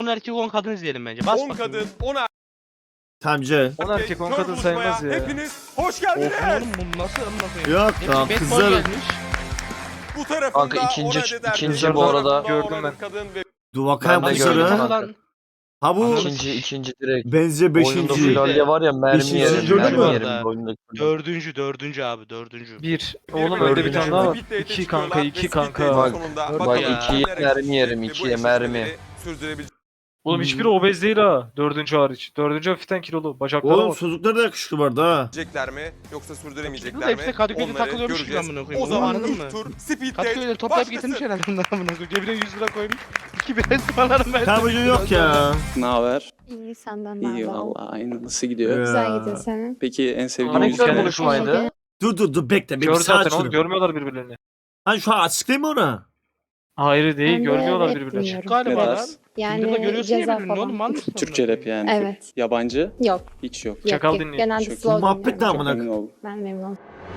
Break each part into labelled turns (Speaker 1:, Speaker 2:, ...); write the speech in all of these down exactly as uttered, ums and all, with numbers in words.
Speaker 1: on erkek on kadın izleyelim bence. Bas
Speaker 2: on
Speaker 1: bakayım.
Speaker 2: kadın, on erkek.
Speaker 3: Tamcı.
Speaker 4: on erkek on kadın sayılmaz ya.
Speaker 2: Hepiniz hoş geldiniz.
Speaker 1: Oğlum bu nasıl amına koyayım?
Speaker 3: Yok
Speaker 1: Hepsi
Speaker 3: lan
Speaker 1: bad boy
Speaker 3: kızlar.
Speaker 1: gelmiş.
Speaker 2: Bu tarafında
Speaker 5: Kanka ikinci-
Speaker 2: on adet erkek,
Speaker 5: ikinci
Speaker 2: bu
Speaker 4: bu
Speaker 2: tarafında
Speaker 4: arada.
Speaker 2: on
Speaker 4: Gördüm
Speaker 2: adet
Speaker 4: ben.
Speaker 2: Kadın ve
Speaker 3: Dur bakayım
Speaker 5: Ben de
Speaker 3: kızları.
Speaker 5: gördüm.
Speaker 1: Lan.
Speaker 3: Ha bu
Speaker 5: İkinci, ikinci direkt.
Speaker 3: benziyor
Speaker 5: Oyunda
Speaker 3: beşinci.
Speaker 5: Filalya var ya mermi
Speaker 3: Beşinci
Speaker 5: yerim,
Speaker 3: gördün
Speaker 5: mermi
Speaker 3: mü?
Speaker 5: yerim. Oyundaki
Speaker 1: Dördüncü, dördüncü abi, dördüncü.
Speaker 4: Bir.
Speaker 2: Bir
Speaker 4: Oğlum
Speaker 2: bölümde
Speaker 4: önde bir tane daha var.
Speaker 2: speed date'e
Speaker 4: İki kanka,
Speaker 2: çıkıyorlar
Speaker 4: iki
Speaker 2: ve speed
Speaker 4: kanka.
Speaker 2: date'in
Speaker 5: Bak,
Speaker 2: sonunda
Speaker 1: bak
Speaker 2: bakalım
Speaker 1: ya.
Speaker 5: ikiye
Speaker 2: kimler
Speaker 5: mermi yerim,
Speaker 2: ve bu
Speaker 5: ikiye
Speaker 2: eşitlikleri
Speaker 5: mermi.
Speaker 2: sürdürebilecek.
Speaker 4: Oğlum hiçbiri obez değil ha. Dördüncü hariç. Dördüncü hafiften kilolu. Bacaklara
Speaker 3: Oğlum
Speaker 4: bak.
Speaker 3: çocuklar da yakışıklı vardı ha.
Speaker 2: mi yoksa sürdüremeyecekler
Speaker 1: Hepsi
Speaker 2: mi?
Speaker 1: hepsi Kadıköy'de
Speaker 2: Onları
Speaker 1: takılıyormuş gibi
Speaker 2: göreceğiz.
Speaker 1: amına koyayım.
Speaker 2: O zaman
Speaker 1: Anladın
Speaker 2: ilk
Speaker 1: mı?
Speaker 2: tur speed
Speaker 1: Kadıköy'de
Speaker 2: date
Speaker 1: toplayıp
Speaker 2: başlasın.
Speaker 1: getirmiş herhalde bunlar amına koyayım. Cebine yüz lira koymuş. İki bir ısmarlarım ben.
Speaker 3: Tamcı yok ya.
Speaker 6: Ne haber?
Speaker 7: İyi senden ne
Speaker 6: İyi
Speaker 7: haber?
Speaker 6: valla aynı. Nasıl gidiyor?
Speaker 3: Ya.
Speaker 7: Güzel gidiyor senin.
Speaker 6: Peki en sevdiğin
Speaker 4: Hani
Speaker 6: müzik
Speaker 4: güzel
Speaker 6: ne?
Speaker 4: konuşmaydı.
Speaker 3: Dur dur dur bekle. Bir
Speaker 4: Gör
Speaker 3: saat
Speaker 4: zaten oğlum
Speaker 3: şunu.
Speaker 4: görmüyorlar birbirlerini.
Speaker 3: Ha şu an açıklayayım mı ona?
Speaker 4: Hayır değil
Speaker 7: Ben de
Speaker 4: görmüyorlar
Speaker 7: evet
Speaker 4: birbirlerini.
Speaker 7: dinliyorum.
Speaker 1: Galiba
Speaker 6: Ne
Speaker 1: lan.
Speaker 6: tarz?
Speaker 7: Yani
Speaker 1: Tinder'da görüyorsun ya
Speaker 7: ceza
Speaker 1: birbirini
Speaker 7: falan.
Speaker 1: oğlum. Mal mısın?
Speaker 6: Türkçe rap yani.
Speaker 7: Evet.
Speaker 6: Yabancı?
Speaker 7: Yok.
Speaker 6: Hiç yok.
Speaker 7: Yok,
Speaker 4: Çakal
Speaker 7: yok.
Speaker 4: dinleyin.
Speaker 7: Genelde
Speaker 6: Çok iyi.
Speaker 7: slow
Speaker 3: Muhabbet de
Speaker 7: dinliyorum.
Speaker 3: amına.
Speaker 6: Emin ol.
Speaker 7: Ben memnun.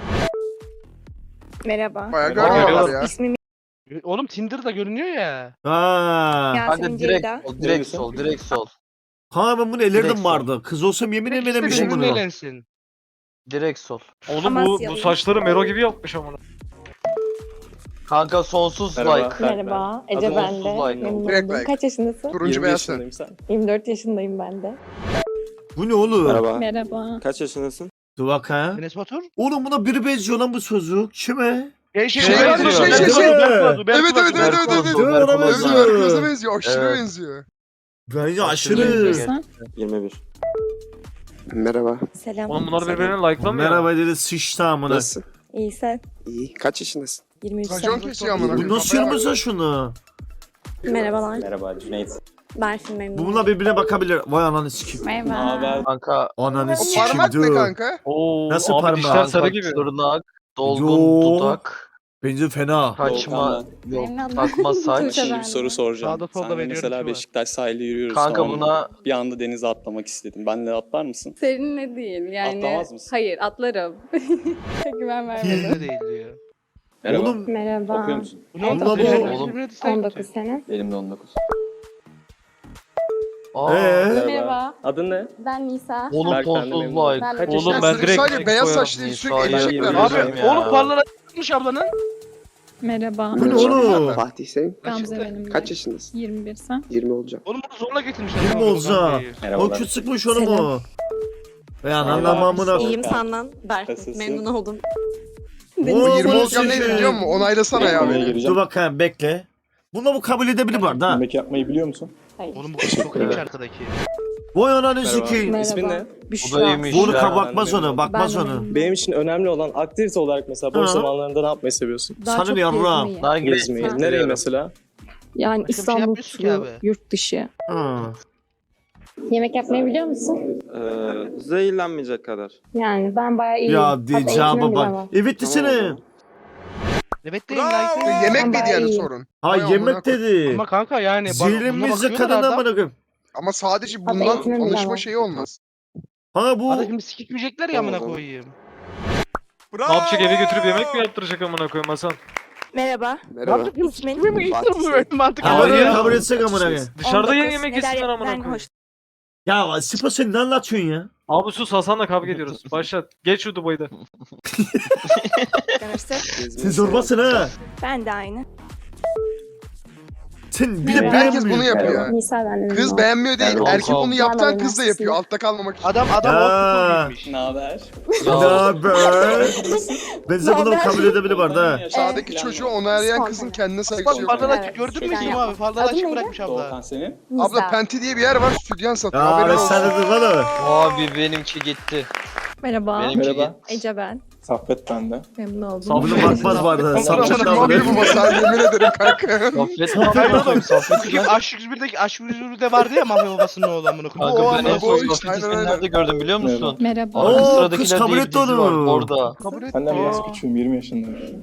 Speaker 8: Merhaba.
Speaker 4: Bayağı
Speaker 2: Bayağı görmüyorlar
Speaker 4: görüyorlar.
Speaker 2: ya.
Speaker 8: İsmim
Speaker 1: Oğlum Tinder'da görünüyor ya.
Speaker 3: Ha.
Speaker 5: Kanka
Speaker 8: Yasemin
Speaker 5: direkt
Speaker 8: Ceyda.
Speaker 5: sol, direkt sol, direkt sol.
Speaker 3: Ha ben bunu ellerdim
Speaker 5: Direkt
Speaker 3: vardı. Kız olsam yemin
Speaker 1: İkisi de
Speaker 3: edememişim
Speaker 1: birbirine
Speaker 3: bunu.
Speaker 1: eğlensin.
Speaker 5: Direkt sol.
Speaker 4: Oğlum bu, bu
Speaker 8: Amasyalıyım.
Speaker 4: saçları Mero gibi yapmış amına.
Speaker 5: Kanka sonsuz
Speaker 6: Merhaba.
Speaker 5: like.
Speaker 7: Merhaba. Ece
Speaker 5: Adı
Speaker 7: ben
Speaker 5: onsuz
Speaker 7: de.
Speaker 5: like
Speaker 7: Memnun
Speaker 5: oldu.
Speaker 2: Direkt
Speaker 7: oldum.
Speaker 2: like.
Speaker 7: Kaç yaşındasın?
Speaker 2: Turuncu
Speaker 6: yirmi
Speaker 2: beyaz sen.
Speaker 6: yaşındayım sen.
Speaker 7: yirmi dört yaşındayım ben de.
Speaker 3: Bu ne oğlum?
Speaker 6: Merhaba.
Speaker 7: Merhaba.
Speaker 6: Kaç yaşındasın?
Speaker 3: Dur bak ha.
Speaker 1: Enes Batur.
Speaker 3: Oğlum buna biri benziyor lan bu çocuk. Kime?
Speaker 1: Şey şey
Speaker 3: Şey
Speaker 1: şey
Speaker 3: benziyor,
Speaker 1: şey
Speaker 3: şey,
Speaker 1: şey
Speaker 3: şey.
Speaker 1: şey. Berk Batur, Berk
Speaker 2: Evet, evet,
Speaker 1: Batur.
Speaker 2: evet,
Speaker 5: Berk
Speaker 2: evet,
Speaker 5: Oğuz,
Speaker 2: evet.
Speaker 3: Dur,
Speaker 5: Berk
Speaker 3: ona
Speaker 5: Oğuz.
Speaker 3: benziyor.
Speaker 2: Berköz'e benziyor. Aşırı
Speaker 5: Evet.
Speaker 2: benziyor.
Speaker 3: Bence
Speaker 5: Aşırı
Speaker 3: aşırı.
Speaker 5: benziyor.
Speaker 6: yirmi bir. Merhaba.
Speaker 7: Selam.
Speaker 4: Oğlum bunlar birbirine like'lamıyor.
Speaker 3: Merhaba dedi sıçtı amına.
Speaker 6: Nasılsın?
Speaker 7: İyi sen.
Speaker 6: İyi. Kaç yaşındasın?
Speaker 7: yirmi üç
Speaker 2: Racon
Speaker 7: sen.
Speaker 2: kesiyor amına
Speaker 3: Bu
Speaker 2: koyayım.
Speaker 3: nasıl
Speaker 2: Kafaya bak.
Speaker 3: yapmışsın şunu?
Speaker 7: Merhabalar.
Speaker 6: Merhaba Cüneyt.
Speaker 7: Berfin memnun
Speaker 3: Bu bununla birbirine bakabilir. Vay ananı sikeyim.
Speaker 7: Merhaba.
Speaker 5: Kanka
Speaker 3: Ananı
Speaker 2: O
Speaker 3: sikeyim
Speaker 2: parmak ne
Speaker 3: dur.
Speaker 2: kanka?
Speaker 4: Oo,
Speaker 3: Nasıl
Speaker 4: abi
Speaker 3: parmağı?
Speaker 4: dişler sarı
Speaker 5: kanka
Speaker 4: gibi.
Speaker 5: tırnak, dolgun
Speaker 3: Yo.
Speaker 5: dudak,
Speaker 3: Bence fena.
Speaker 5: kaçma,
Speaker 6: Doğukan'dan.
Speaker 5: yok
Speaker 7: Memnun oldum.
Speaker 5: takma saç.
Speaker 7: Tuğçe
Speaker 6: Şimdi
Speaker 7: ben
Speaker 6: bir
Speaker 7: de.
Speaker 6: soru soracağım.
Speaker 1: Sağda solda
Speaker 6: Senle
Speaker 1: veriyorum
Speaker 6: mesela
Speaker 1: şu an.
Speaker 6: Beşiktaş sahilde yürüyoruz.
Speaker 5: Kanka
Speaker 6: tamam mı?
Speaker 5: buna
Speaker 6: Bir anda denize atlamak istedim. Benle atlar mısın?
Speaker 7: Seninle değil yani.
Speaker 6: Atlamaz mısın?
Speaker 7: Hayır atlarım. Güven vermedim.
Speaker 1: Tinder'da değil diyor.
Speaker 3: Oğlum
Speaker 7: Merhaba.
Speaker 6: Okuyor musun?
Speaker 1: Bu ne oldu?
Speaker 3: Allah
Speaker 1: Birbirine-
Speaker 3: Allah.
Speaker 5: Oğlum.
Speaker 1: birbirine dislike
Speaker 7: on dokuz
Speaker 1: atıyor.
Speaker 7: sene.
Speaker 6: Benim de on dokuz.
Speaker 5: Aa,
Speaker 3: Ee?
Speaker 7: Merhaba.
Speaker 6: Adın ne?
Speaker 7: Ben Nisa.
Speaker 5: oğlum
Speaker 6: Berk, ben de
Speaker 5: sonsuz
Speaker 6: memnun oldum.
Speaker 5: like.
Speaker 7: Ben de
Speaker 4: Oğlum
Speaker 2: Ya
Speaker 4: ben
Speaker 2: sürekli
Speaker 4: direkt
Speaker 2: sadece
Speaker 4: direkt
Speaker 2: beyaz
Speaker 4: koyarım.
Speaker 2: saçlı sürekli
Speaker 5: Nisa'yı
Speaker 2: eşekler.
Speaker 6: yemin
Speaker 1: Abi
Speaker 6: ediyorum
Speaker 5: ya.
Speaker 1: oğlum parlana çıkmış ablanın.
Speaker 7: Merhaba.
Speaker 3: bu ne oğlum?
Speaker 6: Fatih sen?
Speaker 7: Gamze benim.
Speaker 6: Kaç yaşındasın?
Speaker 7: yirmi bir sen.
Speaker 6: yirmi olacağım.
Speaker 1: Oğlum bunu zorla getirmişler.
Speaker 3: Kim
Speaker 1: Tamam,
Speaker 3: olsa?
Speaker 1: Gamze'yi.
Speaker 3: O
Speaker 6: Merhabalar.
Speaker 3: küt sıkmış onu
Speaker 7: Selam.
Speaker 3: mu? Ve anlamamına.
Speaker 6: İyiyim,
Speaker 7: senden. Berfin.
Speaker 6: Nasılsın?
Speaker 7: Memnun oldum.
Speaker 3: Oo,
Speaker 2: yirmi
Speaker 3: bunu
Speaker 2: olacağım ne
Speaker 3: sikeyim.
Speaker 2: biliyor musun? Onaylasana ya beni.
Speaker 3: Dur bakayım bekle. Buna bu kabul edebilir var da.
Speaker 6: Yemek yapmayı biliyor musun?
Speaker 7: Hayır.
Speaker 1: Oğlum bu kız çok iyiymiş arkadaki.
Speaker 3: Vay ananı
Speaker 6: Merhaba.
Speaker 3: sikeyim.
Speaker 7: Merhaba.
Speaker 6: İsmin ne?
Speaker 5: Bu da iyiymiş
Speaker 3: Bunu
Speaker 5: ya.
Speaker 3: ka- bakmaz ona, bakmaz
Speaker 7: Ben de
Speaker 3: ona.
Speaker 7: memnun
Speaker 9: Benim için önemli olan aktivite olarak mesela boş
Speaker 3: Ha.
Speaker 9: zamanlarında ne yapmayı seviyorsun?
Speaker 7: Daha
Speaker 3: Sana
Speaker 7: çok
Speaker 3: ne yarrağım?
Speaker 7: gezmeyi.
Speaker 5: Daha
Speaker 9: Gezmeyi.
Speaker 5: gezmeyi.
Speaker 9: Nereye mesela?
Speaker 7: Yani
Speaker 1: Başka bir şey
Speaker 7: İstanbul
Speaker 1: yapmıyorsun ki
Speaker 7: turu,
Speaker 1: abi.
Speaker 7: yurt dışı.
Speaker 3: Ha.
Speaker 7: Yemek yapmayı biliyor musun?
Speaker 9: Ee, zehirlenmeyecek kadar.
Speaker 7: Yani ben bayağı iyiyim.
Speaker 3: Ya
Speaker 7: Hatta
Speaker 3: diyeceğime
Speaker 7: eğitimim bile
Speaker 3: bak.
Speaker 7: var.
Speaker 3: Evet desene.
Speaker 1: Evet değil
Speaker 2: Bravo.
Speaker 1: like değil.
Speaker 2: Yemek
Speaker 7: Ben
Speaker 2: mi
Speaker 7: bayağı
Speaker 2: diyenin
Speaker 7: iyiyim.
Speaker 2: sorun?
Speaker 3: Ha
Speaker 2: Vay amına
Speaker 3: yemek
Speaker 2: koy-
Speaker 3: dedi.
Speaker 1: Ama kanka yani bana- buna
Speaker 3: Zehirlenmezse
Speaker 1: bakıyorlar
Speaker 3: kadına
Speaker 1: adam.
Speaker 3: amına.
Speaker 2: Ama sadece
Speaker 7: Hatta
Speaker 2: bundan
Speaker 7: eğitimim bile
Speaker 2: tanışma
Speaker 7: var.
Speaker 2: şeyi olmaz.
Speaker 3: Ha bu.
Speaker 1: Hadi şimdi sikikmeyecekler ya amına
Speaker 9: Tamam,
Speaker 1: koyayım.
Speaker 2: Bravo.
Speaker 4: Ne yapacak eve götürüp yemek mi yaptıracak amına koyayım Hasan?
Speaker 8: Merhaba.
Speaker 6: Merhaba.
Speaker 8: İsmin?
Speaker 1: Kimi mi
Speaker 6: Fatih
Speaker 1: gittin böyle mantıklı
Speaker 3: Kabul,
Speaker 1: var ya.
Speaker 3: kabul etsek amına koyayım.
Speaker 4: Dışarıda ye
Speaker 8: on dokuz.
Speaker 4: yemek
Speaker 8: Neler
Speaker 4: yesinler amına
Speaker 8: yapmaktan
Speaker 4: koyayım.
Speaker 8: hoş-
Speaker 3: Ya Sipo sen ne anlatıyorsun ya?
Speaker 4: Abi sus Hasan'la kavga ediyoruz. Başlat. Geç şu Dubai'de.
Speaker 8: Hoşlanırsın.
Speaker 3: Sen zorbasın ha.
Speaker 8: Ben de aynı.
Speaker 3: Sen bir de
Speaker 7: Merhaba.
Speaker 2: Herkes bunu
Speaker 3: beğenmiyor.
Speaker 2: yapıyor.
Speaker 7: Nisa ben de memnun
Speaker 2: Kız
Speaker 7: oldum.
Speaker 2: beğenmiyor değil.
Speaker 5: Ben
Speaker 2: Erkek
Speaker 5: Volkan.
Speaker 2: onu yaptan
Speaker 7: Ben
Speaker 2: kız da
Speaker 7: de
Speaker 2: yapıyor. Altta kalmamak için.
Speaker 1: Adam adam
Speaker 3: Ya.
Speaker 1: old school
Speaker 6: Ne haber?
Speaker 3: Ne haber? Ben size bunu kabul edebilir var da.
Speaker 2: Sağdaki çocuğu onaylayan
Speaker 7: Son
Speaker 2: kızın
Speaker 7: tane.
Speaker 2: kendine saygısı
Speaker 1: Bak
Speaker 2: yok.
Speaker 1: fazladan
Speaker 7: Evet,
Speaker 1: gördün mü
Speaker 7: şeyden
Speaker 1: kim
Speaker 7: yapma.
Speaker 1: abi? Fazladan
Speaker 7: Adın
Speaker 1: açık
Speaker 7: neydi?
Speaker 1: bırakmış abla.
Speaker 6: Doğukan senin?
Speaker 7: Nisa.
Speaker 2: Abla Penti diye bir yer var. Stüdyen satıyor.
Speaker 3: Ya
Speaker 2: Haberin
Speaker 3: ben
Speaker 2: olsun.
Speaker 3: sana dedim valla.
Speaker 5: Abi benimki gitti.
Speaker 7: Merhaba.
Speaker 5: Benimki
Speaker 9: Merhaba.
Speaker 5: gitti.
Speaker 7: Ece ben.
Speaker 9: Saffet bende.
Speaker 7: Memnun oldum.
Speaker 4: Sağ ol.
Speaker 3: Bunu bakmaz vardı.
Speaker 2: Amına
Speaker 3: Sapçık
Speaker 2: koyayım,
Speaker 3: davranıyor.
Speaker 2: bu masa yemin ederim kanka.
Speaker 5: Sohbet
Speaker 1: Hayır
Speaker 5: yapalım.
Speaker 1: oğlum.
Speaker 5: Sohbet
Speaker 1: Kim Aşk yüz birdeki Aşk yüz birde vardı ya mafya babasının oğlu amına koyayım.
Speaker 5: Kanka
Speaker 2: O
Speaker 5: ben
Speaker 2: ama
Speaker 5: en
Speaker 2: bu
Speaker 5: son
Speaker 2: iş,
Speaker 5: sohbeti
Speaker 2: aynen
Speaker 5: sen
Speaker 2: öyle.
Speaker 5: nerede gördüm biliyor musun?
Speaker 7: Merhaba.
Speaker 3: Oo,
Speaker 5: Arka
Speaker 3: kız
Speaker 5: sıradakiler
Speaker 3: kabul
Speaker 5: diye bir
Speaker 3: etti
Speaker 5: dizi var
Speaker 3: onu.
Speaker 5: orada.
Speaker 1: Kabul et.
Speaker 9: Senden biraz
Speaker 1: Aa.
Speaker 9: küçüğüm, yirmi yaşındayım.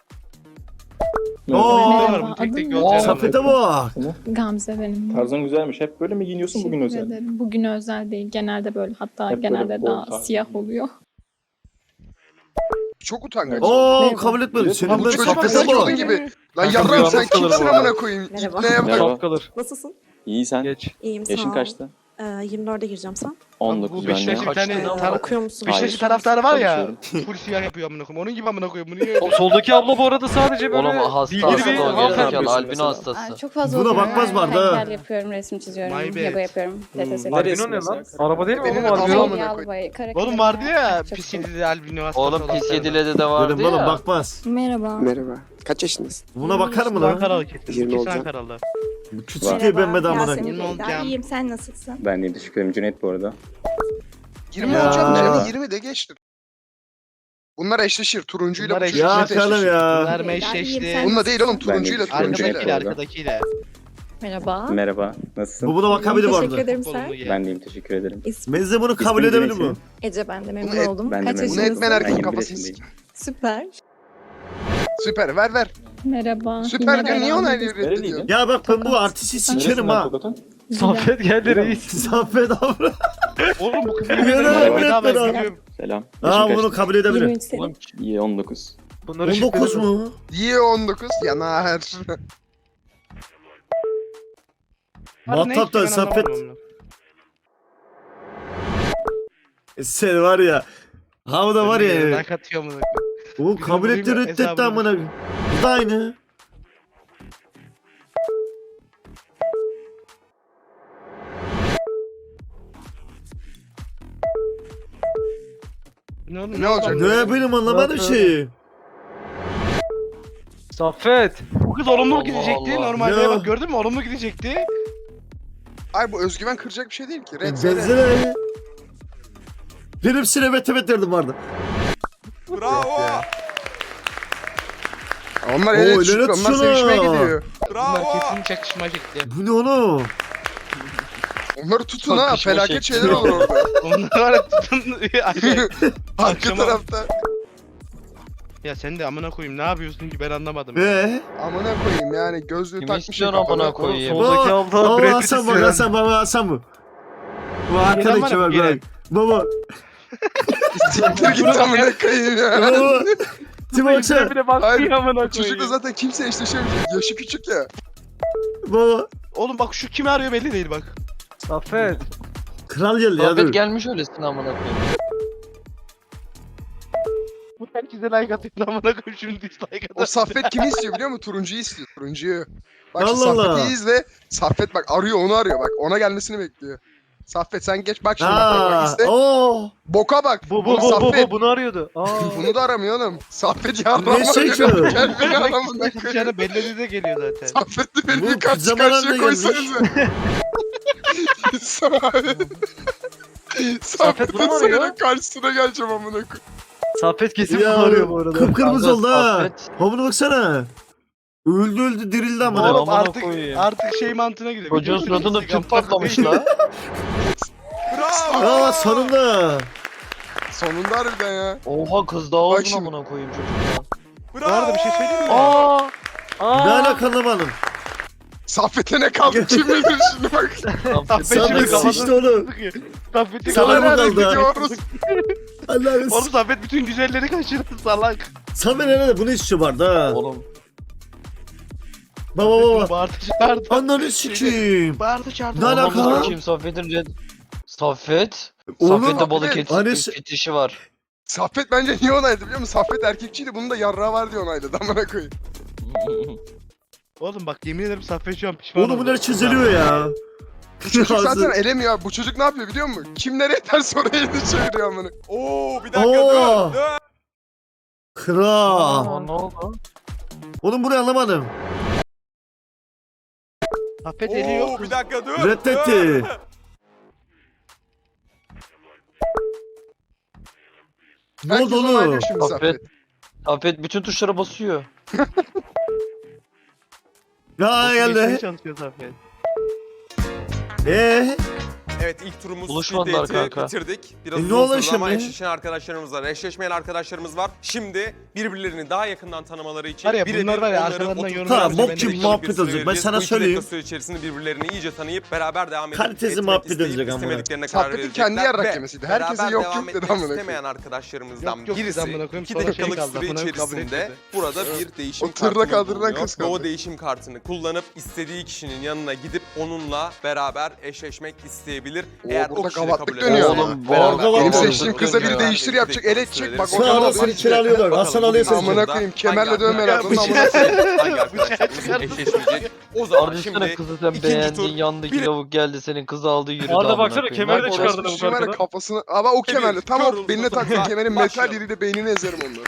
Speaker 3: Oo.
Speaker 7: Merhaba.
Speaker 1: Tek tek
Speaker 7: Adın
Speaker 1: göz
Speaker 7: ne?
Speaker 1: yaramaz.
Speaker 3: Safete bak.
Speaker 7: Gamze benim.
Speaker 9: Tarzın güzelmiş. Hep böyle mi giyiniyorsun, bugün
Speaker 7: Teşekkür
Speaker 9: özel?
Speaker 7: ederim. Bugün özel değil. Genelde böyle. Hatta
Speaker 9: Hep böyle
Speaker 7: genelde
Speaker 9: bol
Speaker 7: daha
Speaker 9: tarzı.
Speaker 7: siyah oluyor.
Speaker 2: Çok utangaç.
Speaker 3: Oo
Speaker 7: Merhaba.
Speaker 3: kabul etmedi. Senin
Speaker 2: Bu
Speaker 3: ben
Speaker 2: çocuk
Speaker 3: safete
Speaker 2: kızı
Speaker 3: bak.
Speaker 2: olduğu gibi. Lan
Speaker 4: Kanka
Speaker 2: yarrağım
Speaker 4: bir
Speaker 2: sen
Speaker 4: yalnız kalır
Speaker 2: kimsin
Speaker 4: bu
Speaker 2: amına
Speaker 4: arada.
Speaker 2: koyayım?
Speaker 7: Merhaba.
Speaker 2: İpneye bak.
Speaker 9: Merhaba.
Speaker 4: Çok kalır.
Speaker 7: Nasılsın?
Speaker 6: İyi sen.
Speaker 4: Geç.
Speaker 8: İyiyim sağ
Speaker 6: Yaşın
Speaker 8: ol.
Speaker 6: kaçtı?
Speaker 8: Ee, yirmi dörde gireceğim sen.
Speaker 6: on
Speaker 1: Bu
Speaker 6: dokuz ben de.
Speaker 1: Beşiktaş'ın bir tane
Speaker 5: Kaçtı?
Speaker 1: tar-
Speaker 8: Okuyor musun?
Speaker 1: Beşiktaş'ın
Speaker 6: Hayır.
Speaker 1: taraftarı var ya.
Speaker 6: Çalışıyorum.
Speaker 1: Full siyah yapıyor amına koyayım. Onun gibi amına koyayım. Bunu niye
Speaker 4: O
Speaker 1: öyle?
Speaker 4: soldaki abla bu arada sadece böyle
Speaker 5: Oğlum hasta
Speaker 4: bilgili
Speaker 5: hasta
Speaker 4: bir
Speaker 5: o
Speaker 4: hanımefendi.
Speaker 5: gerizekalı albino
Speaker 6: mesela.
Speaker 5: hastası.
Speaker 7: Çok fazla
Speaker 3: Buna
Speaker 7: okuyorum.
Speaker 3: bakmaz vardı ha.
Speaker 7: Heykel yapıyorum, resim çiziyorum,
Speaker 1: My bad.
Speaker 7: Lego yapıyorum.
Speaker 6: Hmm.
Speaker 7: T T S.
Speaker 6: Neresi
Speaker 4: Albino ne lan?
Speaker 6: mesela?
Speaker 4: Araba değil mi
Speaker 2: Benim
Speaker 4: oğlum
Speaker 2: de
Speaker 4: albino?
Speaker 2: babam-
Speaker 7: Yağlı boya, karakterim
Speaker 1: Oğlum vardı ya
Speaker 7: çok
Speaker 1: pis
Speaker 7: seviyorum.
Speaker 1: yedili albino hastası
Speaker 5: Oğlum
Speaker 1: olan
Speaker 5: pis
Speaker 1: tane.
Speaker 5: yedilede de vardı
Speaker 3: Dedim oğlum
Speaker 5: ya.
Speaker 3: bakmaz.
Speaker 7: Merhaba.
Speaker 10: Merhaba. Kaç yaşındasın?
Speaker 3: Buna bakar mı lan?
Speaker 1: Ankaralı kesin.
Speaker 10: yirmi
Speaker 1: Kesin
Speaker 10: olacağım.
Speaker 1: Ankaralı.
Speaker 3: Bu küçük diye ben bedava amına.
Speaker 8: Yasemin
Speaker 1: Yirmi
Speaker 8: Beyda.
Speaker 1: olacağım.
Speaker 8: İyiyim sen nasılsın?
Speaker 6: Ben de teşekkür ederim Cüneyt bu arada.
Speaker 2: yirmi
Speaker 3: Ya.
Speaker 2: olacağım
Speaker 6: Merhaba.
Speaker 2: canım yirmi de geçtim. Bunlar eşleşir. Turuncuyla
Speaker 1: Bunlar
Speaker 2: bu çocuk
Speaker 3: Ya
Speaker 2: net
Speaker 3: kalım
Speaker 2: eşleşir.
Speaker 3: ya.
Speaker 1: Bunlar
Speaker 8: Beyda, iyiyim,
Speaker 1: meşleşti.
Speaker 8: sen
Speaker 2: Bununla değil oğlum
Speaker 8: nasılsın?
Speaker 2: turuncuyla
Speaker 6: Ben de
Speaker 2: turuncuyla.
Speaker 1: Arkadakiyle
Speaker 6: orada.
Speaker 1: arkadakiyle.
Speaker 7: Merhaba.
Speaker 6: Merhaba. Nasılsın?
Speaker 3: Bu buna bakabilir bu
Speaker 8: Teşekkür
Speaker 3: arada.
Speaker 8: ederim
Speaker 1: Kolunu
Speaker 8: sen.
Speaker 1: ye.
Speaker 6: Ben deyim teşekkür ederim.
Speaker 8: İsmim
Speaker 3: Ben de bunu kabul
Speaker 6: İsmim
Speaker 3: edebilir
Speaker 6: Cüneyt
Speaker 3: mi?
Speaker 8: Ece ben de memnun
Speaker 2: Bunu et-
Speaker 8: oldum.
Speaker 6: ben de
Speaker 8: Kaç
Speaker 6: memnun
Speaker 2: Bunu
Speaker 8: yaşındasın?
Speaker 2: etmen
Speaker 6: Ben
Speaker 2: erkeğin
Speaker 6: yirmi bir
Speaker 2: kafasını
Speaker 6: yaşındayım.
Speaker 2: sik.
Speaker 8: Süper.
Speaker 2: Süper ver ver.
Speaker 7: Merhaba.
Speaker 2: Süper
Speaker 7: Yine
Speaker 2: diyor niye
Speaker 7: beraber.
Speaker 2: onaylıyor reddediyor?
Speaker 6: Nereliydin?
Speaker 3: Ya bak ben bu artisti sikerim ha.
Speaker 4: Saffet geldi reis.
Speaker 3: Saffet abi.
Speaker 1: Oğlum bu kız
Speaker 3: Yine
Speaker 1: yemin
Speaker 3: de
Speaker 1: ederim bedava
Speaker 3: bedava.
Speaker 1: biliyorum.
Speaker 6: Selam.
Speaker 3: Aa
Speaker 6: Yaşın
Speaker 3: bunu
Speaker 6: kaçtı?
Speaker 3: kabul edebilirim.
Speaker 7: yirmi üç senin.
Speaker 6: İyi on dokuz.
Speaker 4: Bunları
Speaker 3: on dokuz
Speaker 4: şifreledim.
Speaker 3: mu?
Speaker 2: Yiye on dokuz yanar.
Speaker 3: Muhatap da
Speaker 1: Ben
Speaker 3: Saffet.
Speaker 1: anlamadım
Speaker 3: Sen var ya. Ha bu da
Speaker 1: onu.
Speaker 3: var ya.
Speaker 1: Ben katıyorum bunu.
Speaker 3: O kabul etti
Speaker 1: Bizim
Speaker 3: reddetti
Speaker 1: hesabımız.
Speaker 3: amına. Bu da aynı.
Speaker 1: Ne, oldu,
Speaker 2: Ne olacak?
Speaker 1: oldu?
Speaker 3: Ne benim anlamadım şeyi.
Speaker 4: Saffet.
Speaker 1: Bu kız olumlu
Speaker 5: Allah
Speaker 1: gidecekti
Speaker 5: Allah.
Speaker 1: normalde
Speaker 3: Ya.
Speaker 1: bak gördün mü olumlu gidecekti.
Speaker 2: Ay bu özgüven kıracak bir şey değil ki. Red söyle.
Speaker 3: Benzene. Benim sinemet evet derdim vardı.
Speaker 2: Bravo. Onlar
Speaker 3: Oo,
Speaker 2: ele
Speaker 3: helal
Speaker 2: çıktı. Onlar
Speaker 3: olsun
Speaker 2: sevişmeye
Speaker 3: ha.
Speaker 2: gidiyor.
Speaker 1: Bunlar kesin çakışma çekti.
Speaker 3: Bu ne oğlum?
Speaker 2: Onları tutun ha.
Speaker 5: Çakışma
Speaker 2: Felaket
Speaker 5: şekli.
Speaker 2: şeyler olur orada.
Speaker 1: Onlar var ya tutun. Ay,
Speaker 2: Arka
Speaker 1: Akşama-
Speaker 2: tarafta.
Speaker 1: ya sen de amına koyayım ne yapıyorsun ki ben anlamadım.
Speaker 3: Eee?
Speaker 2: Amına koyayım yani gözlüğü
Speaker 5: Kimi
Speaker 2: takmış.
Speaker 5: istiyorsun amına koyayım?
Speaker 4: Soldaki abla
Speaker 3: Baba
Speaker 4: Brad
Speaker 3: Hasan
Speaker 4: Pitt
Speaker 3: bak
Speaker 4: istiyor.
Speaker 3: Hasan baba Hasan bu. Bu
Speaker 1: Gelen
Speaker 3: arkadaki
Speaker 1: var mı?
Speaker 3: var
Speaker 1: Gelen.
Speaker 3: bak. Baba.
Speaker 2: Siktir git amına koyayım ya.
Speaker 3: Baba. Tim baksana.
Speaker 1: bile baktı
Speaker 2: Hayır,
Speaker 1: ya amına koyayım.
Speaker 2: Çocukla zaten kimse eşleşemeyecek. Yaşı küçük ya.
Speaker 3: Baba.
Speaker 1: Oğlum bak şu kimi arıyor belli değil bak.
Speaker 4: Saffet.
Speaker 3: Kral geldi ya dur.
Speaker 5: Saffet gelmiş öylesin amına koyayım.
Speaker 1: Bu herkese like atıyor amına koyayım şimdi dislike atıyor.
Speaker 2: O Saffet kimi istiyor biliyor musun? Turuncuyu istiyor. Turuncuyu. Bak
Speaker 3: Allah
Speaker 2: şimdi
Speaker 3: Allah.
Speaker 2: Saffet'i izle. Saffet bak arıyor onu arıyor bak. Ona gelmesini bekliyor. Saffet sen geç bak şimdi bak, bak, bak
Speaker 3: Aa,
Speaker 2: izle.
Speaker 3: oo.
Speaker 2: Boka bak.
Speaker 4: Bu bu
Speaker 2: Oğlum
Speaker 4: bu bu,
Speaker 2: Saffet.
Speaker 4: bu bunu arıyordu. Aa.
Speaker 2: Bunu da aramıyor oğlum. Saffet yarrama
Speaker 3: Ne çekiyor?
Speaker 2: arıyor. Gel beni aramına
Speaker 1: Ne
Speaker 2: koyayım.
Speaker 1: çıkacağını belli de geliyor zaten.
Speaker 2: Saffet'le beni
Speaker 3: Bu
Speaker 2: bir karşı
Speaker 3: pijamalar
Speaker 2: karşıya
Speaker 3: da gelmiş.
Speaker 2: koysanıza. Saffet'le
Speaker 4: bunu mu arıyor?
Speaker 2: senin karşısına geleceğim amına koyayım.
Speaker 4: Saffet kesin
Speaker 3: Ya
Speaker 4: bunu arıyor bu arada.
Speaker 3: kıpkırmızı
Speaker 5: Kanka,
Speaker 3: oldu ha.
Speaker 5: Saffet.
Speaker 3: Havuna baksana. Öldü öldü dirildi amına.
Speaker 1: Oğlum
Speaker 5: amına
Speaker 1: artık
Speaker 5: koyayım.
Speaker 1: artık şey mantığına gidiyor.
Speaker 5: Çocuğun suratında tüp patlamış la.
Speaker 3: Aa sonunda.
Speaker 2: Sonunda harbiden ya.
Speaker 5: Oha kız daha
Speaker 2: Bak
Speaker 5: uzun
Speaker 2: şimdi.
Speaker 5: amına koyayım çocuktan.
Speaker 1: Bu arada bir şey söyleyeyim mi?
Speaker 4: Aa.
Speaker 3: Ne
Speaker 4: Aa.
Speaker 3: alakalamadım.
Speaker 2: Saffet'e ne kaldı kim bilir şimdi bak.
Speaker 5: Saffet
Speaker 1: Saffet şimdi
Speaker 3: Saffet
Speaker 1: kafasını
Speaker 3: sıçtı oğlum.
Speaker 1: sıkıyor. Saffet'in
Speaker 3: Sana mı
Speaker 1: kafasını
Speaker 3: kaldı?
Speaker 2: Gidiyoruz.
Speaker 3: Allah'ım.
Speaker 1: Oğlum Saffet bütün güzelleri kaçırdı salak.
Speaker 3: Samet nerede? Bunu istiyor vardı ha.
Speaker 5: Oğlum.
Speaker 3: Baba baba.
Speaker 1: Bağırdı çağırdı.
Speaker 3: Ananı sikeyim.
Speaker 1: Bağırdı çağırdı.
Speaker 3: Ne alaka?
Speaker 5: Anamı sikeyim Saffet'in red... Saffet.
Speaker 3: Oğlum,
Speaker 5: Saffet'te balık
Speaker 2: Saffet,
Speaker 5: eti
Speaker 3: hani-
Speaker 5: fetişi var.
Speaker 2: Saffet bence niye onayladı biliyor musun? Saffet erkekçiydi bunun da yarrağı var diye onayladı amına koyayım.
Speaker 1: Oğlum bak yemin ederim Saffet şu an pişman
Speaker 3: Oğlum
Speaker 1: oldu.
Speaker 3: bunlar çiziliyor ya.
Speaker 2: Bu çocuk zaten elemiyor. Bu çocuk ne yapıyor biliyor musun? Kim nereye ters oraya elini çeviriyor amına. Oo bir
Speaker 3: Oo. Kral.
Speaker 4: Aa, ne oldu?
Speaker 3: Oğlum burayı anlamadım.
Speaker 1: Saffet eli yok.
Speaker 2: bir dakika dur.
Speaker 3: Reddetti. Ne
Speaker 2: Herkes
Speaker 3: oldu
Speaker 2: onaylıyor
Speaker 3: oğlum?
Speaker 2: şimdi
Speaker 5: Saffet.
Speaker 2: Saffet.
Speaker 5: Saffet bütün tuşlara basıyor.
Speaker 3: Ya
Speaker 1: Geçmeye
Speaker 3: geldi.
Speaker 1: çalışıyor Saffet.
Speaker 3: Eee?
Speaker 10: Evet ilk turumuz
Speaker 5: Buluşmadılar
Speaker 10: Speed Date'i
Speaker 5: kanka.
Speaker 10: bitirdik. Biraz
Speaker 3: E, ne
Speaker 10: uzun
Speaker 3: oluyor
Speaker 10: sürdü ama
Speaker 3: şimdi?
Speaker 10: eşleşen arkadaşlarımız var. Eşleşmeyen arkadaşlarımız var. Şimdi birbirlerini daha yakından tanımaları için
Speaker 1: Var ya,
Speaker 10: birebir
Speaker 1: bunlar var ya,
Speaker 10: onları
Speaker 1: arkalarından
Speaker 10: oturup
Speaker 1: yorum
Speaker 3: Tamam,
Speaker 1: yapacağım,
Speaker 3: bok
Speaker 1: ben de
Speaker 3: gibi
Speaker 1: bekliyorum.
Speaker 3: muhabbet
Speaker 10: bir süre
Speaker 3: olacak. Ben
Speaker 10: vereceğiz.
Speaker 3: sana
Speaker 10: Bu iki
Speaker 3: söyleyeyim.
Speaker 10: dakika süre içerisinde birbirlerini iyice tanıyıp beraber devam edip
Speaker 3: Kalitesi
Speaker 10: etmek
Speaker 3: muhabbet
Speaker 10: isteyip
Speaker 3: edecek ama.
Speaker 10: istemediklerine karar
Speaker 2: Saffet'in
Speaker 10: verecekler.
Speaker 2: kendi yarrak
Speaker 10: Ve
Speaker 2: yemesiydi. Herkese
Speaker 10: beraber
Speaker 2: yok
Speaker 10: devam
Speaker 2: yok dedi
Speaker 10: etmek
Speaker 2: amına koyayım.
Speaker 10: istemeyen arkadaşlarımızdan
Speaker 1: Yok, yok dedi
Speaker 10: birisi
Speaker 1: amına koyayım,
Speaker 10: iki
Speaker 1: sonra şey
Speaker 10: dakikalık
Speaker 1: kaldı,
Speaker 10: süre
Speaker 1: amına koyayım, kabul
Speaker 10: içerisinde
Speaker 1: etmedi.
Speaker 10: burada bir değişim
Speaker 2: O tırda
Speaker 10: kartını
Speaker 2: kaldırılan
Speaker 10: bulunuyor.
Speaker 2: kız
Speaker 10: Ve o
Speaker 2: kaldı.
Speaker 10: değişim kartını kullanıp istediği kişinin yanına gidip onunla beraber eşleşmek isteyebilir.
Speaker 2: Oo,
Speaker 10: Eğer
Speaker 2: burada
Speaker 10: o kişi de
Speaker 2: gavatlık
Speaker 10: kabul
Speaker 2: dönüyor.
Speaker 10: ederse
Speaker 5: Oğlum, bu
Speaker 10: beraber
Speaker 5: arada
Speaker 10: devam
Speaker 3: benim
Speaker 10: ediyor.
Speaker 2: seçtiğim kıza biri
Speaker 10: Yani
Speaker 2: değiştir
Speaker 10: iki
Speaker 2: yapacak,
Speaker 10: dakika
Speaker 2: ele
Speaker 10: süreleri
Speaker 2: çek, bak o
Speaker 10: sonra
Speaker 3: Sağ
Speaker 2: kadar
Speaker 3: olasın,
Speaker 2: basit.
Speaker 3: kiralıyorlar.
Speaker 10: Bakalım
Speaker 3: Hasan
Speaker 10: bugün
Speaker 3: alıyor seni.
Speaker 2: Amına koyayım, kemerle dövme lazım,
Speaker 10: Hangi
Speaker 2: amına
Speaker 10: arkadaşlarımız- hangi arkadaşlarımız eşleşmeyecek? O zaman
Speaker 5: Ardışsana
Speaker 10: şimdi
Speaker 5: kızı sen
Speaker 10: ikinci
Speaker 5: beğendin
Speaker 10: tur
Speaker 5: yandaki
Speaker 10: bir-
Speaker 5: lavuk geldi senin kızı aldı yürüdü.
Speaker 4: Arda
Speaker 5: amına
Speaker 4: baksana,
Speaker 5: koyayım.
Speaker 4: kemeri de
Speaker 5: Bak,
Speaker 4: çıkardı
Speaker 5: orası-
Speaker 4: bu
Speaker 2: Orospu var ya
Speaker 4: arkadan.
Speaker 2: kafasını. Ama o kemerli. Tam
Speaker 10: Kör
Speaker 2: o beline taktığın
Speaker 10: oldu.
Speaker 2: kemerin metal
Speaker 10: Başlayalım.
Speaker 2: yeriyle beynini ezerim onları.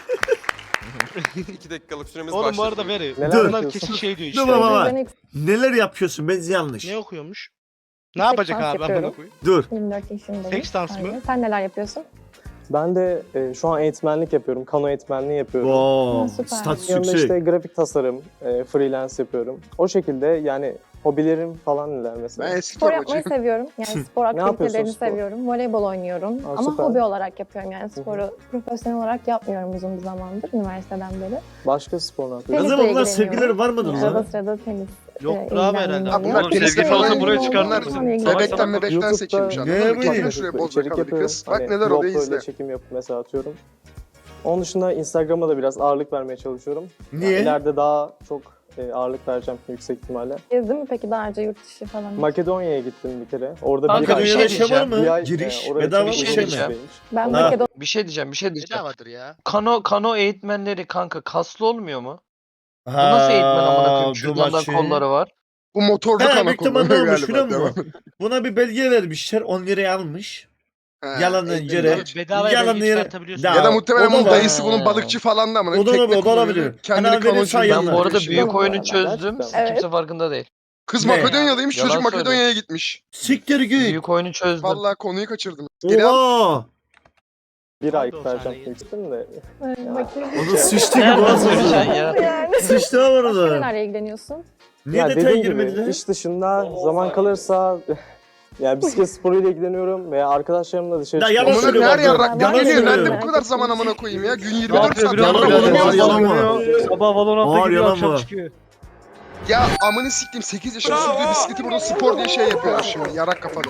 Speaker 10: iki dakikalık süremiz
Speaker 1: Oğlum bu
Speaker 10: başladı.
Speaker 1: arada veri.
Speaker 3: Dur.
Speaker 1: Bunlar kesin şey diyor işte.
Speaker 3: Dur baba bak.
Speaker 7: Ben
Speaker 3: Neler yapıyorsun? Ben yanlış.
Speaker 1: Ne okuyormuş? Ne yapacak
Speaker 7: dans
Speaker 1: abi
Speaker 7: yapıyorum.
Speaker 1: amına koyayım?
Speaker 3: Dur.
Speaker 7: yirmi dört yaşındayım.
Speaker 1: Seks dans mı?
Speaker 7: Aynen. Sen neler yapıyorsun?
Speaker 11: Ben de e, şu an eğitmenlik yapıyorum. Kano eğitmenliği yapıyorum.
Speaker 3: Wow.
Speaker 7: Ha, süper.
Speaker 3: Statüs
Speaker 11: Yanında
Speaker 3: yüksek.
Speaker 11: işte grafik tasarım, e, freelance yapıyorum. O şekilde yani hobilerim falan neler mesela.
Speaker 2: Ben eski
Speaker 7: Spor yapmayı
Speaker 2: torbacıyım.
Speaker 7: seviyorum. Yani spor
Speaker 11: yapıyorsun
Speaker 7: aktivitelerini
Speaker 11: spor?
Speaker 7: seviyorum. Voleybol oynuyorum.
Speaker 11: Aa,
Speaker 7: Ama
Speaker 11: süper.
Speaker 7: hobi olarak yapıyorum. Yani sporu profesyonel olarak yapmıyorum uzun bir zamandır. Üniversiteden beri.
Speaker 11: Başka spor ne yapıyorsun?
Speaker 7: Tenisle
Speaker 3: Kızım bunlar
Speaker 7: ilgileniyorum.
Speaker 3: sevgilileri var mıdır
Speaker 7: Arada
Speaker 3: lan?
Speaker 7: sırada tenis.
Speaker 1: Yok
Speaker 7: e,
Speaker 1: abi herhalde.
Speaker 7: ilgileniyorum.
Speaker 2: Abi bunlar
Speaker 4: Oğlum,
Speaker 2: tenis
Speaker 4: sevgili
Speaker 2: falan
Speaker 4: olsa buraya
Speaker 2: bunlar
Speaker 4: çıkartır mısın?
Speaker 2: Bebekten
Speaker 4: Salak
Speaker 2: bebekten
Speaker 11: YouTube'da-
Speaker 2: çekilmiş anladın
Speaker 3: Ne
Speaker 2: mı?
Speaker 3: bileyim.
Speaker 2: Getirin şuraya bol
Speaker 11: İçerik
Speaker 2: sakallı
Speaker 11: yapıyorum.
Speaker 2: kız. Bak
Speaker 11: Hani
Speaker 2: neler oluyor
Speaker 11: GoPro ile
Speaker 2: izle.
Speaker 11: çekim yapıp mesela atıyorum. Onun dışında Instagram'a da biraz ağırlık vermeye çalışıyorum. Yani
Speaker 3: Niye?
Speaker 11: ileride daha çok e, ağırlık vereceğim yüksek ihtimalle.
Speaker 7: Gezdin mi peki daha önce yurt dışı falan?
Speaker 11: Makedonya'ya gittim bir kere. Orada
Speaker 5: Kanka,
Speaker 11: bir
Speaker 5: bir
Speaker 11: ay,
Speaker 5: şey
Speaker 3: Makedonya'da şey var
Speaker 5: diyeceğim.
Speaker 11: bir ay
Speaker 3: mı? Giriş.
Speaker 11: e, oraya
Speaker 3: Bedava mı
Speaker 11: çok
Speaker 5: bir
Speaker 3: şey
Speaker 11: uzun
Speaker 3: mi?
Speaker 11: süreymiş.
Speaker 7: Ben
Speaker 3: Ha.
Speaker 7: Makedon
Speaker 5: Bir şey diyeceğim, bir şey diyeceğim.
Speaker 1: Bedavadır ya.
Speaker 5: Kano kano eğitmenleri kanka kaslı olmuyor mu? Bu nasıl eğitmen amına koyayım? Şuradan kolları var.
Speaker 2: Bu motorlu
Speaker 3: He,
Speaker 2: kana
Speaker 3: büyük ihtimalle
Speaker 2: kullanıyor
Speaker 3: olmuş biliyor
Speaker 2: galiba.
Speaker 3: musun? Buna bir belge vermişler. on liraya almış.
Speaker 2: He,
Speaker 3: Yalandan
Speaker 2: eğitim
Speaker 3: yere.
Speaker 2: var.
Speaker 1: Bedava
Speaker 3: Yalan
Speaker 1: belge
Speaker 3: yere-
Speaker 1: çıkartabiliyorsun.
Speaker 3: Ya,
Speaker 2: Ya da muhtemelen
Speaker 3: o da
Speaker 2: bunun
Speaker 3: var.
Speaker 2: dayısı bunun balıkçı falan da amına.
Speaker 3: O da olabilir,
Speaker 2: Tekne
Speaker 3: o da olabilir.
Speaker 2: kullanıyor, Kendini
Speaker 3: Hani
Speaker 2: kano
Speaker 3: verirsen
Speaker 2: çeviriyor.
Speaker 3: yalan.
Speaker 5: Ben bu arada
Speaker 2: Şey
Speaker 5: büyük
Speaker 2: yok.
Speaker 5: oyunu
Speaker 11: Gerçekten.
Speaker 5: çözdüm.
Speaker 11: Gerçekten.
Speaker 5: Kimse farkında değil.
Speaker 2: Kız
Speaker 3: Ne?
Speaker 2: Makedonyalıymış,
Speaker 5: Yalan
Speaker 2: çocuk
Speaker 5: söylüyor.
Speaker 2: Makedonya'ya gitmiş.
Speaker 3: Siktir git.
Speaker 5: Büyük oyunu çözdüm.
Speaker 2: Vallahi konuyu kaçırdım. Geri al.
Speaker 3: Oha.
Speaker 11: Bir ay
Speaker 1: Pardon,
Speaker 11: vereceğim
Speaker 1: saniye.
Speaker 11: demiştim de.
Speaker 3: Onu sıçtı gibi
Speaker 5: Nereden
Speaker 3: boğazına.
Speaker 5: söyleyeceksin ya?
Speaker 7: yani.
Speaker 3: Sıçtı var
Speaker 7: Başka
Speaker 3: orada.
Speaker 7: nelerle ilgileniyorsun?
Speaker 3: Niye
Speaker 11: Ya
Speaker 3: detay
Speaker 11: dediğim
Speaker 3: girmedi
Speaker 11: gibi
Speaker 3: de?
Speaker 11: iş dışında zaman kalırsa yani bisiklet sporuyla ilgileniyorum veya arkadaşlarımla dışarı
Speaker 3: Ya
Speaker 11: çıkıyorum.
Speaker 3: yalan
Speaker 2: Amına
Speaker 3: söylüyor
Speaker 2: her
Speaker 3: bak.
Speaker 2: yarrak
Speaker 7: Yalan
Speaker 2: ne geliyor?
Speaker 7: söylüyor.
Speaker 2: Nerede bu kadar zaman amına koyayım ya? Gün yirmi
Speaker 4: Ne
Speaker 2: dört
Speaker 4: yapıyor
Speaker 2: saat
Speaker 4: biliyor
Speaker 3: yalan
Speaker 4: musun?
Speaker 3: yalan
Speaker 4: Yalan
Speaker 3: yalan
Speaker 4: yalan
Speaker 3: yalan.
Speaker 4: Sabah Valorant'ta
Speaker 3: Ağır
Speaker 4: gidiyor,
Speaker 3: yalan
Speaker 4: akşam
Speaker 3: mı?
Speaker 4: çıkıyor.
Speaker 2: Ya amını siktim sekiz yaşında sürdüğü bisikleti burada spor diye şey yapıyorlar şimdi. Yarak kafalı.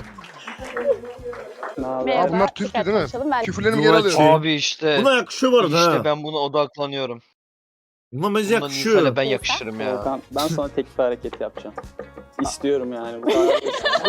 Speaker 11: Ne haber?
Speaker 2: Merhaba.
Speaker 7: Merhaba.
Speaker 2: bunlar Türk
Speaker 7: dikkat
Speaker 2: değil mi?
Speaker 7: konuşalım. Ben
Speaker 2: Küfürlerimi geri
Speaker 3: Duvaçı.
Speaker 2: alıyorum.
Speaker 5: Abi işte.
Speaker 3: Buna yakışıyor bu arada
Speaker 5: İşte
Speaker 3: ha.
Speaker 5: ben buna odaklanıyorum.
Speaker 3: Buna bence
Speaker 5: Bundan
Speaker 3: yakışıyor.
Speaker 5: insana ben yakışırım ya.
Speaker 9: Volkan, ben sana tek bir hareket yapacağım. İstiyorum yani. Bu kadar.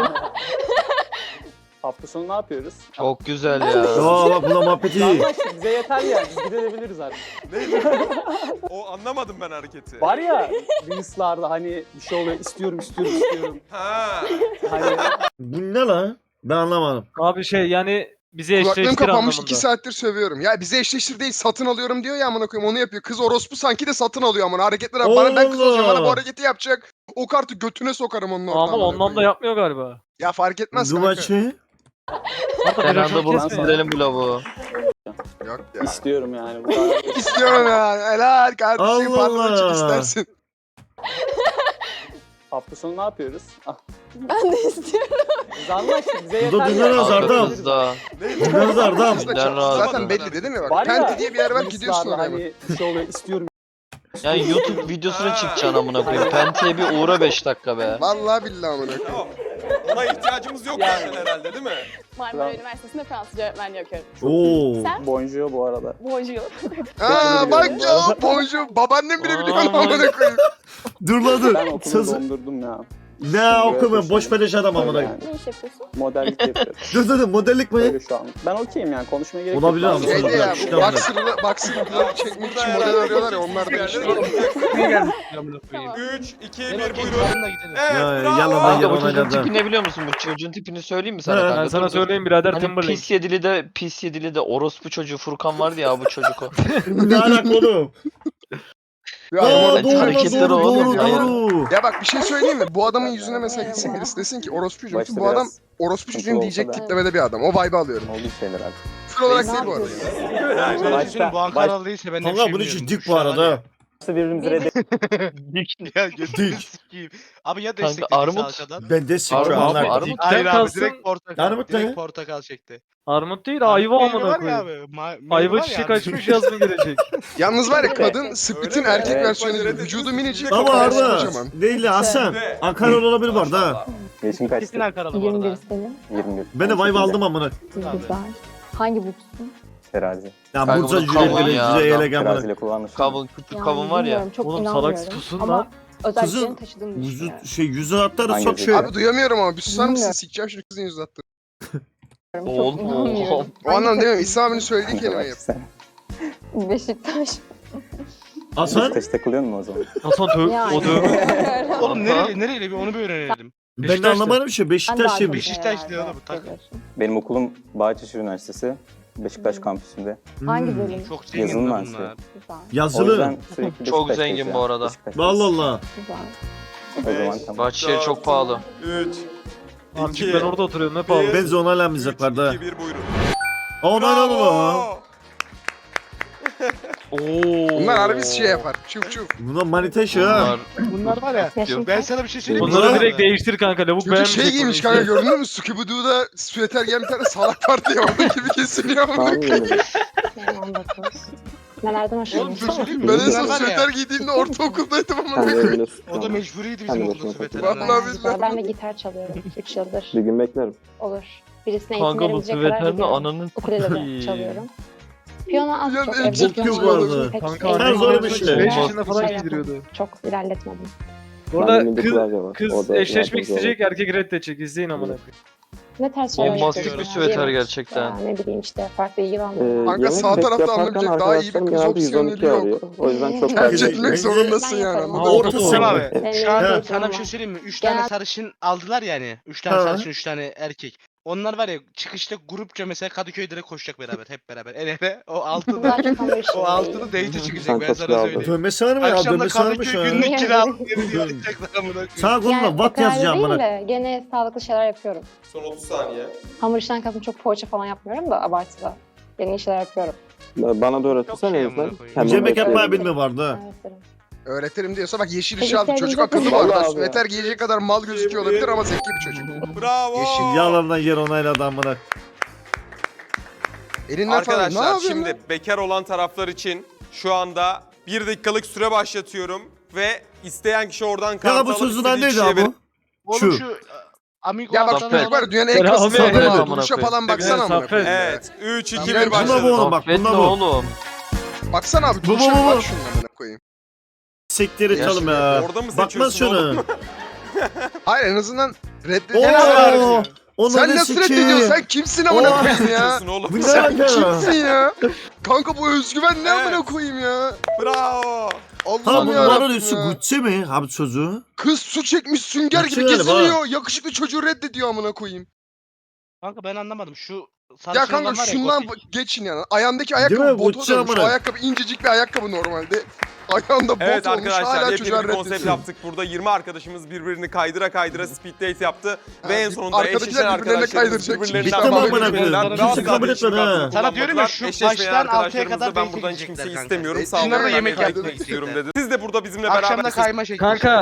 Speaker 9: Hafta sonu ne yapıyoruz?
Speaker 5: Çok güzel ya.
Speaker 3: Ya bak buna muhabbeti iyi.
Speaker 9: Anlaştık, bize yeter yani. Biz gidebiliriz artık.
Speaker 10: O anlamadım ben hareketi.
Speaker 9: Var ya Reels'larda hani bir şey oluyor. İstiyorum, istiyorum, istiyorum.
Speaker 10: Ha.
Speaker 9: Hani
Speaker 3: Bu ne lan? Ben anlamadım.
Speaker 4: Abi şey yani bizi
Speaker 2: Kulaklığım
Speaker 4: eşleştir
Speaker 2: kapanmış
Speaker 4: anlamında.
Speaker 2: iki saattir sövüyorum. Ya bize eşleştir değil satın alıyorum diyor ya amına koyayım onu yapıyor. Kız orospu sanki de satın alıyor amına. Hareketlere bak. Bana ben kız olacağım bana bu
Speaker 3: Allah.
Speaker 2: hareketi yapacak. O kartı götüne sokarım onun orada.
Speaker 4: Ama
Speaker 2: amına
Speaker 4: ondan da
Speaker 2: koyayım.
Speaker 4: yapmıyor galiba.
Speaker 2: Ya fark etmez kanka.
Speaker 3: Duvaçı.
Speaker 4: Hatta
Speaker 5: Ben
Speaker 4: ben
Speaker 5: anda bunu silelim bu lavuğu.
Speaker 2: Yok ya.
Speaker 9: istiyorum yani. Bu kadar.
Speaker 2: İstiyorum ya. Helal kardeşim.
Speaker 3: Allah
Speaker 2: Pardon çık
Speaker 3: Allah.
Speaker 2: istersin.
Speaker 9: Hafta sonu ne yapıyoruz? Ah,
Speaker 7: Ben de istiyorum.
Speaker 9: biz anlaştık. Bize
Speaker 3: Bu
Speaker 9: yeter
Speaker 3: da
Speaker 9: yani.
Speaker 3: dünya nazar,
Speaker 5: Arka
Speaker 3: adam.
Speaker 5: kızda.
Speaker 3: Dünyaz Ardam.
Speaker 2: Kız da
Speaker 5: Ben
Speaker 2: çok-
Speaker 5: rahat-
Speaker 2: Zaten belli dedim ya bak.
Speaker 9: Var ya,
Speaker 2: Penti diye bir yer var gidiyorsun
Speaker 9: Reels'larda
Speaker 2: oraya.
Speaker 9: hani bir şey oluyor. İstiyorum.
Speaker 5: Yani YouTube videosuna çıkacaksın amına koyayım. Penti'ye bir uğra beş dakika be.
Speaker 2: Vallahi billahi amına koyayım.
Speaker 10: Tamam. Ona ihtiyacımız yok
Speaker 9: Yani.
Speaker 10: zaten herhalde değil mi?
Speaker 7: Marmara Üniversitesi'nde Fransızca öğretmenliği okuyorum.
Speaker 3: Oo.
Speaker 7: Sen?
Speaker 9: Bonjour bu arada.
Speaker 7: Bonjour.
Speaker 2: Aa bak ya bonjour. Babaannem bile biliyor onu amına koyayım.
Speaker 3: Dur lan dur.
Speaker 9: Ben okulu
Speaker 3: Sözü-
Speaker 9: dondurdum ya.
Speaker 3: Ne okumuyorum boş beleş adam amına.
Speaker 9: Yani
Speaker 7: Ne iş yapıyorsun?
Speaker 9: modellik yapıyorum.
Speaker 3: Dur dur dur modellik mi?
Speaker 9: Öyle şu an. Ben okeyim yani konuşmaya gerek
Speaker 3: Olabilir
Speaker 9: yok.
Speaker 3: ama.
Speaker 9: Bazı-
Speaker 2: Şeyde ya
Speaker 3: İşte
Speaker 2: bu
Speaker 3: amına.
Speaker 2: boxer'lı boxer'lı çekmek için model arıyorlar ya onlar da işte.
Speaker 1: Ne geldi amına koyayım?
Speaker 10: üç, iki,
Speaker 1: Benim
Speaker 10: bir
Speaker 1: okey
Speaker 10: buyurun.
Speaker 1: çağırın da gidelim.
Speaker 10: Evet,
Speaker 3: Ya,
Speaker 10: bravo.
Speaker 3: yalan
Speaker 5: Kanka bu
Speaker 3: yalan
Speaker 5: çocuğun
Speaker 3: yalan.
Speaker 5: tipi ne biliyor musun? Bu çocuğun tipini söyleyeyim mi sana
Speaker 3: He,
Speaker 5: kanka?
Speaker 4: Ben sana
Speaker 5: Dur, dur.
Speaker 4: söyleyeyim birader
Speaker 5: Hani
Speaker 4: Timberlake.
Speaker 5: pis yedili de pis yedili de orospu çocuğu Furkan vardı ya bu çocuk o.
Speaker 3: Ne alaka oğlum?
Speaker 2: Ya,
Speaker 3: Aa
Speaker 2: model-
Speaker 3: doğru lan,
Speaker 5: hareketleri
Speaker 3: doğru
Speaker 5: oğlum
Speaker 3: doğru
Speaker 5: ya.
Speaker 3: doğru.
Speaker 2: Ya bak bir şey söyleyeyim mi? Bu adamın yüzüne mesela gitsin birisi desin ki orospu çocuğum.
Speaker 9: Başta
Speaker 2: Bu adam
Speaker 9: biraz
Speaker 2: orospu
Speaker 9: sıkıntı
Speaker 2: çocuğum
Speaker 9: olsa
Speaker 2: diyecek
Speaker 9: da.
Speaker 2: tiplemede bir adam. O vibe'ı alıyorum.
Speaker 9: Oldu şeyler abi.
Speaker 2: Küfür olarak
Speaker 7: Ne
Speaker 2: değil bu arada.
Speaker 7: yapıyorsun?
Speaker 1: Ben
Speaker 9: Başta-
Speaker 1: düşünüyorum bu Ankaralı değilse ben de bir
Speaker 3: Kanka
Speaker 1: şey
Speaker 3: bunun için
Speaker 1: bilmiyorum.
Speaker 3: dik bu arada.
Speaker 11: birbirimizi reddet.
Speaker 1: Ya götünü
Speaker 3: Dik.
Speaker 1: sikeyim. Abi ya
Speaker 5: Kanka,
Speaker 1: desteklediyse
Speaker 5: armut.
Speaker 1: arkadan.
Speaker 3: Ben de sıkı
Speaker 5: Armut,
Speaker 3: anlar.
Speaker 5: armut.
Speaker 3: Dik.
Speaker 1: Hayır abi
Speaker 4: kalsın.
Speaker 1: direkt portakal.
Speaker 3: Armut ne?
Speaker 1: direkt portakal çekti.
Speaker 4: Armut değil ayva
Speaker 1: Meyve
Speaker 4: amına
Speaker 1: var ya
Speaker 4: koyayım.
Speaker 1: abi, ma- meyve
Speaker 4: Ayva
Speaker 1: var ya
Speaker 4: çiçek
Speaker 1: abi.
Speaker 4: açmış yaz mı gelecek?
Speaker 2: Yalnız var ya
Speaker 7: Öyle.
Speaker 2: kadın Split'in
Speaker 10: Öyle mi?
Speaker 2: erkek
Speaker 9: Evet.
Speaker 2: versiyonu gibi.
Speaker 10: Bence
Speaker 2: Vücudu
Speaker 10: de-
Speaker 2: minicik.
Speaker 3: Ama
Speaker 2: kafası
Speaker 3: Arda
Speaker 2: kocaman.
Speaker 3: değil Hasan.
Speaker 10: Ne?
Speaker 3: Ankara olabilir var da.
Speaker 9: Yaşım kaçtı?
Speaker 1: Kesin Ankaralı bu
Speaker 7: yirmi bir
Speaker 1: arada.
Speaker 7: senin.
Speaker 9: yirmi bir.
Speaker 3: Ben de vibe aldım amına.
Speaker 7: Güzel. Hangi burçsun?
Speaker 9: Terazi.
Speaker 3: Ya
Speaker 5: Kanka
Speaker 3: Bursa
Speaker 5: bunu
Speaker 3: cüreleri
Speaker 5: kavun ya,
Speaker 3: cüre
Speaker 5: adam.
Speaker 3: ele gamına.
Speaker 9: Teraziyle kullanmış.
Speaker 5: Kavun, küçük
Speaker 7: Yani
Speaker 5: kavun var ya.
Speaker 7: bilmiyorum, çok
Speaker 4: Oğlum
Speaker 7: inanmıyorum.
Speaker 4: salak susun
Speaker 7: Ama
Speaker 4: lan.
Speaker 7: özelliklerini
Speaker 3: Kızın
Speaker 7: taşıdığını
Speaker 3: Yüzü,
Speaker 7: düşünüyorum.
Speaker 3: şey yüzü hatları
Speaker 9: Hangi
Speaker 3: çok
Speaker 9: yüzü?
Speaker 3: şey.
Speaker 2: Abi duyamıyorum ama bir susar mısın?
Speaker 7: Bilmiyorum.
Speaker 2: Sikeceğim şu kızın yüzü attı.
Speaker 7: Çok
Speaker 5: Oğlum.
Speaker 7: inanmıyorum.
Speaker 2: O anlamda
Speaker 7: Hangi
Speaker 2: demiyorum.
Speaker 7: takım?
Speaker 2: İsa abinin söylediği kelime yap.
Speaker 9: Sen
Speaker 7: Beşiktaş.
Speaker 3: Hasan
Speaker 9: Beşiktaş takılıyor mu o zaman?
Speaker 4: Hasan tövbe
Speaker 7: Yani.
Speaker 4: o dövme.
Speaker 1: Oğlum nereli nereli bir onu bir öğrenelim.
Speaker 3: ben de
Speaker 4: Beşiktaş'ta.
Speaker 3: anlamadım bir şey.
Speaker 7: Ben de
Speaker 3: Beşiktaş'ıymış.
Speaker 1: Beşiktaş
Speaker 7: herhalde
Speaker 1: diyor oğlum, tak.
Speaker 7: seviyorsun.
Speaker 9: Benim okulum Bahçeşehir Üniversitesi. Beşiktaş
Speaker 7: Hmm.
Speaker 9: kampüsünde.
Speaker 7: Hangi
Speaker 3: Hmm.
Speaker 7: bölüm?
Speaker 1: Çok zengin
Speaker 9: Yazılım
Speaker 1: lan
Speaker 9: mühendisliği.
Speaker 1: bunlar.
Speaker 7: Güzel.
Speaker 9: O
Speaker 3: Yazılı.
Speaker 9: yüzden sürekli
Speaker 5: Çok
Speaker 9: Beşiktaş'tayız
Speaker 5: zengin
Speaker 9: yani.
Speaker 5: bu arada.
Speaker 9: Beşiktaş'tayız.
Speaker 3: Allah Allah.
Speaker 7: Güzel.
Speaker 9: O zaman tamam.
Speaker 5: Bahçeşehir çok pahalı.
Speaker 10: üç,
Speaker 4: Amcık ben orada oturuyorum ne pahalı.
Speaker 3: Ben zonalanmayacaklar da.
Speaker 10: iki, bir buyurun.
Speaker 3: Ona ne oldu?
Speaker 10: Bravo.
Speaker 5: Oo.
Speaker 2: Bunlar harbi şey yapar. Çuf çuf.
Speaker 3: Buna manita şu ha.
Speaker 5: Bunlar
Speaker 1: Bunlar var ya.
Speaker 7: Yaşın
Speaker 1: Ben
Speaker 7: kaç?
Speaker 1: sana bir şey söyleyeyim mi?
Speaker 3: Bunlar-
Speaker 4: Bunları direkt değiştir kanka lavuk
Speaker 2: Çocuk
Speaker 4: beğenmeyecek.
Speaker 2: şey giymiş
Speaker 4: bunu
Speaker 2: kanka
Speaker 4: işte.
Speaker 2: gördün mü? Scooby-Doo'da süveter giyen bir tane salak var diye orada gibi kesiliyor ama.
Speaker 9: Tamam mı?
Speaker 7: Yani on dokuz. Nelerden
Speaker 1: Oğlum bir şey
Speaker 7: hoşlanıyorsun?
Speaker 1: söyleyeyim mi?
Speaker 2: Ben en
Speaker 1: Bunlar
Speaker 2: son
Speaker 1: var ya,
Speaker 2: süveter giydiğimde ortaokuldaydım ama.
Speaker 9: Sen de öğreniyorsun.
Speaker 1: o da mecburiydi bizim
Speaker 9: Sen de
Speaker 1: okulda
Speaker 9: bakın.
Speaker 1: süveter.
Speaker 2: Vallahi
Speaker 1: almak.
Speaker 7: Yani
Speaker 2: billahi.
Speaker 7: güzel. Ben de gitar çalıyorum. üç yıldır.
Speaker 9: Bir gün beklerim.
Speaker 7: Olur. Birisine eğitim
Speaker 5: Kanka bu
Speaker 7: verebilecek kadar
Speaker 5: süveterle
Speaker 7: gidiyorum.
Speaker 5: ananın
Speaker 7: Ukulele de çalıyorum. Piyano az
Speaker 2: Yani
Speaker 7: çok
Speaker 2: en
Speaker 7: evde
Speaker 2: ciddi
Speaker 7: piyano
Speaker 2: bu arada.
Speaker 7: çalıyorum. Pek
Speaker 4: Kanka
Speaker 7: eğlenceli
Speaker 3: Sen zor bir
Speaker 7: değil.
Speaker 3: şey.
Speaker 4: beş yaşında falan
Speaker 7: Şey
Speaker 4: giydiriyordu.
Speaker 7: yapmadım, Çok ilerletmedim.
Speaker 4: Bu arada
Speaker 9: Benim de
Speaker 4: kız,
Speaker 9: klavye var.
Speaker 4: kız
Speaker 9: O da
Speaker 4: eşleşmek
Speaker 9: yardımcı
Speaker 4: isteyecek erkek reddedecek. İzleyin amına koyayım.
Speaker 7: Ne tarz şeyler
Speaker 5: Bombastik
Speaker 7: yapıyorsun
Speaker 5: bir
Speaker 7: ya?
Speaker 5: süveter
Speaker 7: Yemek,
Speaker 5: gerçekten.
Speaker 7: ya Ne bileyim işte farklı ilgi
Speaker 9: Ee,
Speaker 7: alanları.
Speaker 2: Kanka
Speaker 9: yemek
Speaker 2: sağ
Speaker 9: bek
Speaker 2: tarafta
Speaker 9: yaparken
Speaker 2: alınabilecek daha iyi bir
Speaker 9: arkadaşlarım
Speaker 2: kız
Speaker 9: genelde
Speaker 2: opsiyonu
Speaker 9: yüz on iki
Speaker 2: yok.
Speaker 9: arıyor. O yüzden çok
Speaker 7: Tercih
Speaker 2: Tercih
Speaker 9: tercih
Speaker 2: etmek
Speaker 9: etmiyorum.
Speaker 2: zorundasın
Speaker 7: Ben
Speaker 2: yani.
Speaker 7: yaparım.
Speaker 2: anladın
Speaker 3: Ha,
Speaker 2: mı?
Speaker 3: orta
Speaker 1: Oğlum
Speaker 3: sınıf.
Speaker 1: abi
Speaker 7: Benim
Speaker 1: şu an
Speaker 7: öyle
Speaker 1: sana bir
Speaker 7: var.
Speaker 1: şey söyleyeyim mi? Üç
Speaker 7: Genel-
Speaker 1: tane sarışın aldılar yani. Üç tane
Speaker 3: Ha.
Speaker 1: sarışın, üç tane erkek. Onlar var ya çıkışta grupça mesela Kadıköy'de koşacak beraber hep beraber. El ele o altını
Speaker 7: Bunlar çok hamur işi
Speaker 1: o
Speaker 7: değil.
Speaker 1: altını date çıkacak ben
Speaker 9: Çantası
Speaker 1: sana
Speaker 9: aldı.
Speaker 1: söyleyeyim.
Speaker 3: Dönmesi var mı ya?
Speaker 1: Akşam da
Speaker 3: Dönmesi varmış
Speaker 1: Kadıköy
Speaker 3: ha.
Speaker 1: günlük
Speaker 7: Yani.
Speaker 1: kiralık yeri yazacaklar amına koyayım.
Speaker 3: Sağ koluna
Speaker 7: Yani
Speaker 3: watt
Speaker 7: o kadar
Speaker 3: yazacağım
Speaker 7: değil
Speaker 3: bana.
Speaker 7: de gene sağlıklı şeyler yapıyorum.
Speaker 10: Son otuz saniye.
Speaker 7: Hamur işten kastım çok poğaça falan yapmıyorum da abartıda. Yeni şeyler yapıyorum.
Speaker 9: Bana da öğretirsen
Speaker 1: Çok şey
Speaker 9: en azından.
Speaker 1: amına koyayım.
Speaker 9: kendim
Speaker 3: Yemek yapmayı
Speaker 9: öğretirim.
Speaker 3: bilmiyor vardı ha.
Speaker 7: Öğretirim.
Speaker 2: Öğretirim diyorsa bak yeşil
Speaker 7: Peki
Speaker 2: ışığı aldı.
Speaker 7: sen
Speaker 2: Çocuk
Speaker 7: bize-
Speaker 2: akıllı bu
Speaker 9: Vallahi
Speaker 2: arada.
Speaker 9: abi.
Speaker 2: Süveter giyecek kadar mal gözüküyor olabilir ama zeki bir çocuk.
Speaker 10: Bravo.
Speaker 2: Yeşil
Speaker 3: Yalandan yer onayladı amına.
Speaker 2: Elinden falan. Ne
Speaker 10: Arkadaşlar
Speaker 2: yapıyorsun
Speaker 10: şimdi
Speaker 2: lan?
Speaker 10: bekar olan taraflar için şu anda bir dakikalık süre başlatıyorum ve isteyen kişi oradan kartı
Speaker 3: Ya bu
Speaker 10: alıp
Speaker 3: sözünden
Speaker 10: istediği
Speaker 3: neydi
Speaker 10: kişiye
Speaker 3: abi
Speaker 10: verip-
Speaker 3: bu?
Speaker 1: Oğlum
Speaker 3: Şu.
Speaker 1: şu Amigo
Speaker 2: Ya bak
Speaker 1: altan
Speaker 2: şu çocuk var
Speaker 1: adam-
Speaker 2: ya, dünyanın en
Speaker 4: Selam
Speaker 2: kasıtlı
Speaker 4: Ahmet.
Speaker 2: adamı.
Speaker 5: Amına
Speaker 2: Duruşa
Speaker 5: koyayım.
Speaker 2: falan baksana
Speaker 4: Evet,
Speaker 2: amına
Speaker 4: Saffet.
Speaker 2: koyayım.
Speaker 10: Evet. üç, iki,
Speaker 2: Tamam,
Speaker 10: bir
Speaker 2: buna
Speaker 10: başladı.
Speaker 3: bu oğlum, bak,
Speaker 5: Affet
Speaker 3: buna
Speaker 5: ne
Speaker 3: bu.
Speaker 5: oğlum?
Speaker 2: Baksana abi
Speaker 3: Bu,
Speaker 2: duruşa
Speaker 3: bu, bu,
Speaker 2: bak
Speaker 3: bu.
Speaker 2: şunun amına koyayım.
Speaker 3: Siktir et oğlum ya.
Speaker 10: Orada mı
Speaker 3: Bakmaz
Speaker 10: seçiyorsun
Speaker 3: şunu.
Speaker 10: oğlum?
Speaker 2: Hayır en azından
Speaker 3: Oo.
Speaker 2: reddediyorsun.
Speaker 3: Onu
Speaker 2: Sen nasıl reddediyorsun? Sen kimsin amına
Speaker 3: Oo.
Speaker 2: koyayım ya?
Speaker 10: Seçiyorsun oğlum.
Speaker 3: Bu ne
Speaker 2: Sen
Speaker 3: alaka?
Speaker 2: kimsin ya? Kanka bu özgüven ne
Speaker 10: Evet.
Speaker 2: amına koyayım ya?
Speaker 10: Bravo.
Speaker 3: Ha
Speaker 2: Allah'ım
Speaker 3: bu
Speaker 2: ya.
Speaker 3: numara üstü Gucci mi? Abi çocuğu.
Speaker 2: Kız su çekmiş sünger gibi
Speaker 3: Gucci galiba.
Speaker 2: geziniyor. Yakışıklı çocuğu reddediyor amına koyayım.
Speaker 1: Kanka ben anlamadım şu
Speaker 2: Ya
Speaker 1: sarışın
Speaker 2: kanka
Speaker 1: olan var ya
Speaker 2: şundan
Speaker 1: gotik.
Speaker 2: bak- geçin yani. Ayağındaki
Speaker 3: Değil mi?
Speaker 2: ayakkabı bota
Speaker 3: Gucci
Speaker 2: dönmüş. O
Speaker 3: amına.
Speaker 2: ayakkabı incecik bir ayakkabı normalde. Ayağında bot
Speaker 10: Evet
Speaker 2: olmuş
Speaker 10: arkadaşlar
Speaker 2: hala
Speaker 10: yepyeni
Speaker 2: çocuğa
Speaker 10: bir konsept
Speaker 2: reddediyor.
Speaker 10: yaptık. Burada yirmi arkadaşımız birbirini kaydıra kaydıra speed date yaptı. Ve
Speaker 2: Ha,
Speaker 10: en
Speaker 2: bir-
Speaker 10: sonunda
Speaker 2: arkadakiler
Speaker 10: eşleşen
Speaker 2: birbirlerine
Speaker 10: arkadaşlarımız
Speaker 2: kaydıracak.
Speaker 10: birbirlerinden
Speaker 3: Bitti mi amına
Speaker 10: vazgeçmediler.
Speaker 3: koyayım?
Speaker 10: Rahat
Speaker 3: Kimse kabul
Speaker 10: kardeşim
Speaker 3: etmedi ha.
Speaker 10: kartını
Speaker 1: Sana diyorum ya, şu
Speaker 10: Eşleşmeyen
Speaker 1: baştan altıya
Speaker 10: arkadaşlarımıza
Speaker 1: kadar
Speaker 10: ben
Speaker 1: date
Speaker 10: buradan hiç
Speaker 1: gidecekler
Speaker 10: kimseyi
Speaker 1: kanka.
Speaker 10: istemiyorum.
Speaker 2: E,
Speaker 10: Sağ olun.
Speaker 1: Bunlar da
Speaker 10: Ben
Speaker 1: yemek
Speaker 10: de
Speaker 1: yapmak
Speaker 10: istiyorum
Speaker 1: isteyecekler.
Speaker 10: dedi. Siz de burada bizimle
Speaker 1: Akşam da
Speaker 10: beraber
Speaker 1: kayma şekli.
Speaker 4: Kanka